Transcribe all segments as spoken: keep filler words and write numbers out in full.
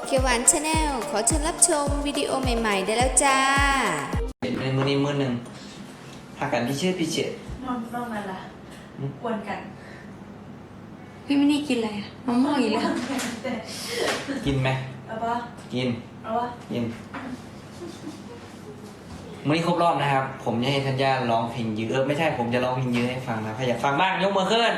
เขียวหวานชาแนลขอเชิญรับชมวิดีโอใหม่ๆได้แล้วจ้าในมือนี้มือหนึ่งพากันพี่เชิดพี่เชิดนอนนอนนั่นล่ะกวนกันพี่ไม่ได้กินอะไรอะมะม่วงอีกแล้วกินไหมเอาปะกินเอาปะกินมื่อนี้ครบรอบนะครับผมจะให้ธัญญาร้องเพลงยื้อไม่ใช่ผมจะร้องเพลงยื้อให้ฟังนะใครอยากฟังบ้างยกมือขึ้น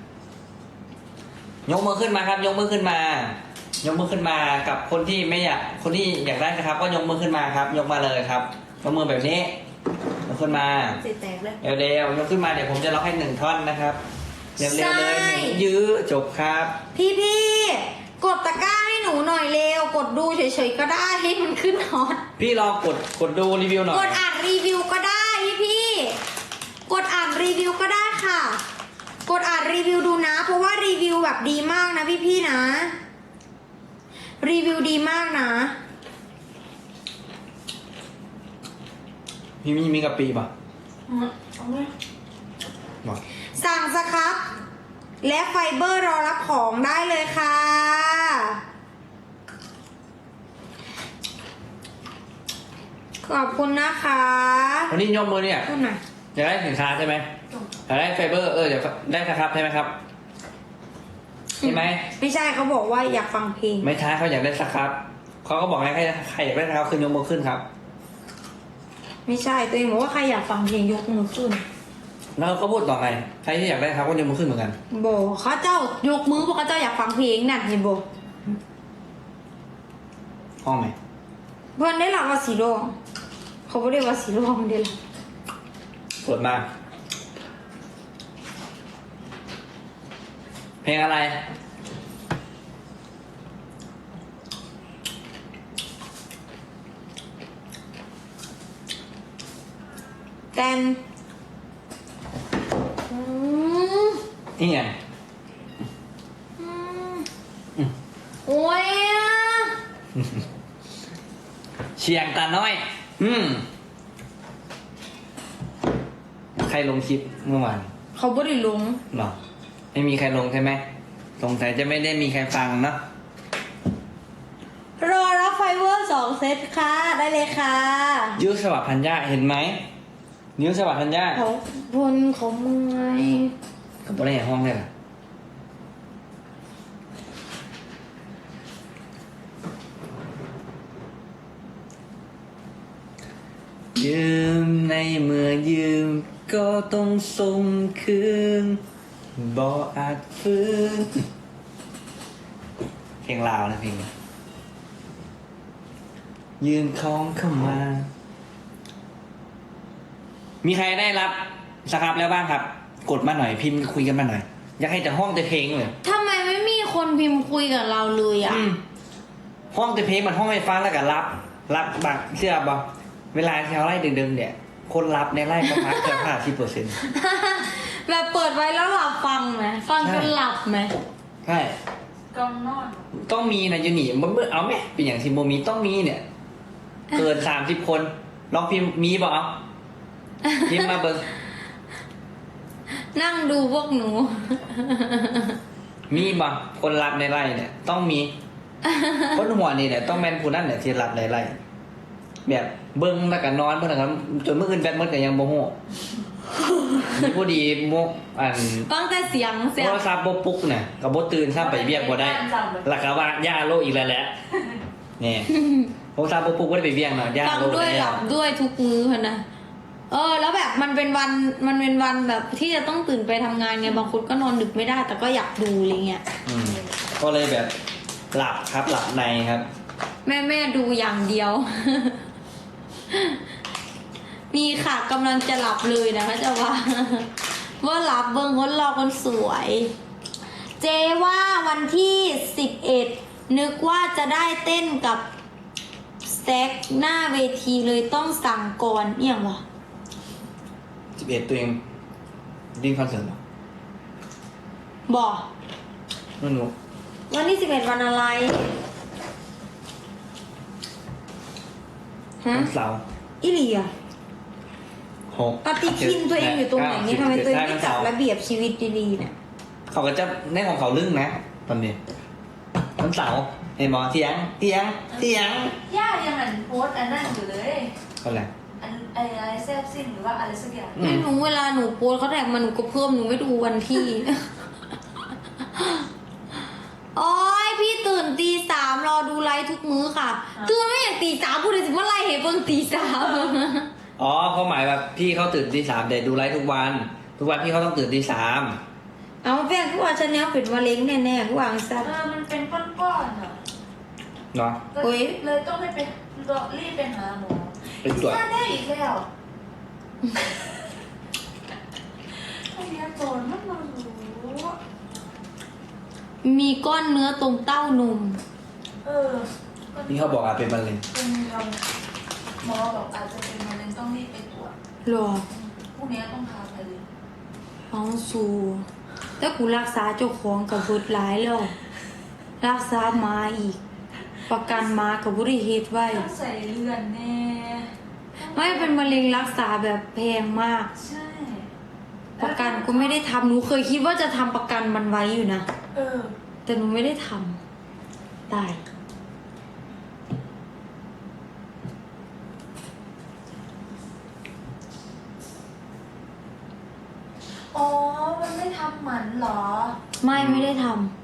ยกมือขึ้นมาครับยกมือขึ้นมายกมือขึ้นมากับคนที่ไม่อยากคนที่อยากได้นะครับก็ยกมือขึ้นมาครับยกมาเลยครับยกมือแบบนี้ยกขึ้นมาเสียแตกเลยเร็วๆยกขึ้นมาเดี๋ยวผมจะร้องให้หนึ่งท่อนนะครับเร็วๆเลยหนึ่งยื้อจบครับพี่พี่กดตะกร้าให้หนูหน่อยเร็วกดดูเฉยๆก็ได้ให้มันขึ้นฮอตพี่ลองกดกดดูรีวิวหน่อยกดอ่านรีวิวก็ได้พี่พี่กดอ่านรีวิวก็ได้ค่ะกดอ่านรีวิวดูนะเพราะว่ารีวิวแบบดีมากนะพี่พี่นะรีวิวดีมากนะพี่มีมีกะปิป่ะเอาไหมสั่งสครับและไฟเบอร์รอรับของได้เลยค่ะขอบคุณนะคะวันนี้ยกมือเนี่ยอยากได้สินค้าใช่ไหมอยากได้ไฟเบอร์เออเดี๋ยวได้นะครับใช่ไหมครับใช่ไหมไม่ใช่เขาบอกว่าอยากฟังเพลงไม่ใช่เขาอยากได้สครับเขาก็บอกให้ใครอยากได้สครับคือยกมือขึ้นครับไม่ใช่ตัวเองบอกว่าใครอยากฟังเพลงยกมือขึ้นแล้วก็พูดต่อไงใครที่อยากได้ครับก็ยกมือขึ้นเหมือนกันโบเขาเจ้ายกมือเพราะเขาเจ้าอยากฟังเพลงนั่นเห็นโบห้องไหมเพื่อนได้หลักว่าสีร่วงเขาไม่ได้ว่าสีร่วงเดียวเปิดมาเพลงอะไรแตนนี่ไงโอ้ยเชียงตาน้อยอืมใครลงคลิปเมื่อวานเขาไม่ได้ลงหรอไม่มีใครลงใช่ไหมสงสัยจะไม่ได้มีใครฟังเนาะรอรับไฟเวอร์สองเซตค่ะได้เลยค่ะยื้อสวัสดิ์ธัญญาเห็นไหมนิ้วสวัสดิ์ธัญญาเขาบนเขาเมื่อยกับตัวไหนห้องเนี่ยยืมในเมื่อยืมก็ต้องส่งคืนบ่อาจฟื้นเพลงลาวนะเพลงยืมของเข้ามามีใครได้รับสครับแล้วบ้างครับกดมาหน่อยพิมพ์คุยกันมาหน่อยอยากให้แต่ห้องแต่เพลงเลยทำไมไม่มีคนพิมพ์คุยกับเราเลยอ่ะห้องแต่เพลงมันห้องไฟฟ้าแล้วก็รับรับบักเชื่อบ่เวลาที่เขาไล่ดึงๆเนี่ยคนรับในไล่ประมาณเกือบห้าสิบเปอร์เซ็นต์แบบเปิดไว้แล้วหลับฟังไหมฟังจนหลับไหมใช่กองนอนต้องมีนะยูนี่มันเอาไหมเป็นอย่างที่โมมีต้องมีเนี่ยเกินสามสิบคนลองพิมพ์มีบ่เอาพิมพ์มาเบิ้งนั่งดูพวกหนูมีบ่คนรับในไล่เนี่ยต้องมีคนหัวนี่เนี่ยต้องแมนผู้นั่นเนี่ยที่รับในไล่แบบเบิ้งแล้วก็นอนเพื่อนกันจนเมื่อคืนแบตเมื่อกันยังโมโหมีผู้ดีมุกอันฟังแต่เสียงเสียงโทรศัพท์โบปุ๊กเนี่ยกับโบตื่นซ้ำไปเบียกบ่ได้หลักว่าย่าโลอีกแล้วแหละเนี่ยโทรศัพท์โบปุ๊กก็ได้ไปเบียกเนาะย่าโลฟังด้วยหลับด้วยทุกมื้อนะเออแล้วแบบมันเป็นวันมันเป็นวันแบบที่จะต้องตื่นไปทำงานไงบางคนก็นอนดึกไม่ได้แต่ก็อยากดูอะไรเงี้ยก็เลยแบบหลับครับหลับในครับแม่แม่ดูอย่างเดียวมีค่ะกำลังจะหลับเลยนะคะจะว่าว่าหลับเบิ้งคนรอคนสวยเจว่าวันที่สิบเอ็ดนึกว่าจะได้เต้นกับสแต็กหน้าเวทีเลยต้องสั่งก่อนเนี่ยหรอสิบเอ็ดตัวเองดิ้นคอนเสิร์ตหรอบอกนั่นหนูวันที่สิบเอ็ดวันอะไรฮะเสาร์อิเลียปฏิทินตัวเองอยู่ตรงไหนเนี่ยทำไมตัวเองไม่จัดระเบียบชีวิตดีๆเนี่ยเขาก็จะในของเขาลึ่งนะตอนนี้วันเสาร์เห็นหมอเถียงเถียงเถียงย่ายังอันโพสต์อันนั้นอยู่เลยก็แหละอันไออะไรแซบซิ่งหรือว่าอะไรสักอย่างอืไม่มหนูเวลาหนูโพสต์เขาแท็กมาหนูก็เพิ่มหนูไม่ดูวันที่ โอ้ยพี่ตื่นตีสามรอดูไลฟ์ทุกมื้อค่ะตื่นไม่อย่างตีสามพูดเลยสิว่าไลฟ์เห็นเบิ่งตีสามอ๋อเขาหมายว่าพี่เขาตื่นตีสามแต่ดูไลฟ์ทุกวัน ทุกวันพี่เขาต้องตื่นตีสามเอาแฟนกูว่าฉันเนี้ยเป็นมะเร็งแน่ๆกูวางซัดเออมันเป็นก้อนๆอ่ะเนาะโอ๊ยเลยต้องไปเป็นรีบไปหาหมอไปตรวจย่าได้อีกแล้วไอ้เนี้ยโจรมันมารู้มีก้อนเนื้อตรงเต้านมเออนี่เขาบอกอาจเป็นมะเร็งเป็นเราหมอบอกอาจจะเป็นมะเร็งต้องรีบไปตรวจหรอพรุ่งนี้ต้องพาไปเลยเอาสูแต่กูรักษาเจ้าของกับเบิดหลายแล้ว รักษาหมาอีก ประกันหมากับบุริเหตุไว้ต้องใส่เลือนแน่ไม่เป็นมะเร็งรักษาแบบแพงมากใช่ประกันก็ไม่ได้ทำหนูเคยคิดว่าจะทำประกันมันไว้อยู่นะเออแต่หนูไม่ได้ทำตายอ๋อ มันไม่ทำหมันเหรอไม่ไม่ได้ทำ